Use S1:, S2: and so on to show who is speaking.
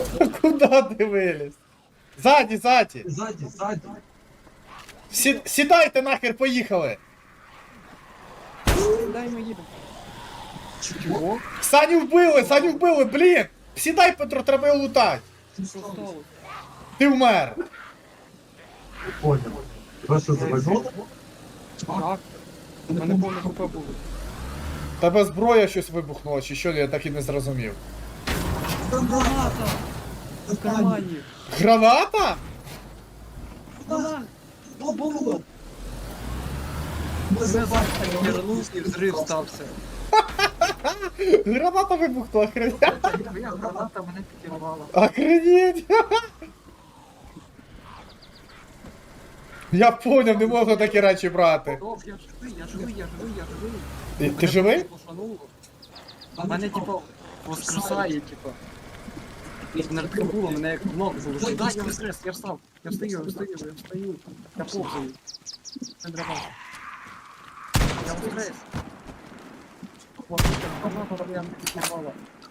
S1: Куда ти виліз? Ззаді, ззаді.
S2: Ззаді, ззаді.
S1: Сідайте нахер, поїхали.
S3: Дай ми їдемо.
S2: Чого?
S1: Саню вбили, блін. Сідай, Петро, треба його лутати.
S3: Що сталося?
S1: Ти вмер.
S2: Понял. Тебе що завезло?
S3: Так. У мене повне ХП було.
S1: Тебе зброя щось вибухнула, чи що, я так і не зрозумів.
S3: Граната! В кармані.
S1: Граната?
S3: Вона!
S2: Було. Ми
S3: Я
S2: забачили.
S3: вернув і взрив стався.
S1: Граната вибухнула, охренеть.
S3: Твоя граната мене підірвала.
S1: Охренеть. Я поняв, не можна такі речі брати.
S3: Я живий.
S1: Ти живий?
S3: Мене, типу, воскресає, типу. Мене було, мене як ног залишив. Да, я воскрес, я встав. Я встаю. Я повзаю. Не дрова. Я воскрес. Граната, я не підірвала.